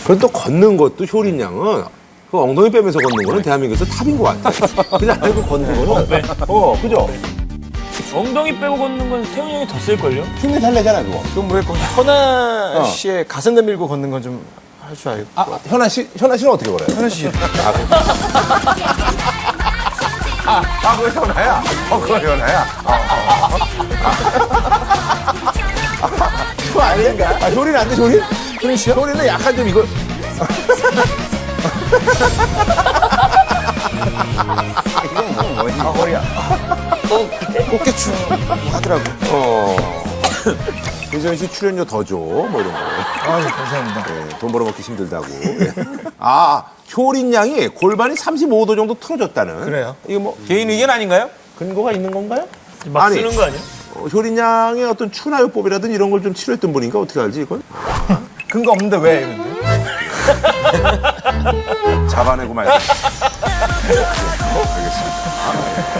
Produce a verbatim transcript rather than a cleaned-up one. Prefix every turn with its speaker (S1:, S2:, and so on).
S1: 그리고 또 걷는 것도 효린 양은 그 엉덩이 빼면서 걷는 거는 대한민국에서 탑인 것 같아. 그냥 알고 걷는 거는. 어, 그죠?
S2: 엉덩이 빼고 걷는 건 태훈이 형이 더 쓸걸요?
S1: 흉내 살래잖아, 그거.
S3: 그럼 왜 현아 씨의 가슴 내밀고 걷는 건 좀 할 줄 알고.
S1: 아, 현아 씨, 현아 씨는 어떻게 걸어요?
S3: 현아 씨.
S1: 아, 아, 그거 현아야? 어, 그거 현아야? 어, 어, 어. 그거 아닌가? 아, 효린 안 돼, 효린? 효린 씨요? 효린은 약간 좀 이거. 이건 뭐, 뭐지? 아, 허리야.
S3: 꽃게춤 하더라고.
S1: 어. 김세현 씨 출연료 더 줘, 뭐 이런 거.
S3: 아, 감사합니다.
S1: 네, 돈 벌어먹기 힘들다고. 예. 아, 효린 양이 골반이 삼십오 도 정도 틀어졌다는.
S3: 그래요?
S1: 이거 뭐
S2: 개인 의견 아닌가요?
S1: 근거가 있는 건가요?
S2: 막
S1: 아니.
S2: 쓰는 거 아니야?
S1: 어, 효린 양의 어떤 추나요법이라든지 이런 걸 좀 치료했던 분인가 어떻게 알지 이걸?
S3: 근거 없는데 왜? 근데?
S1: 잡아내고 말고. 알겠습니다.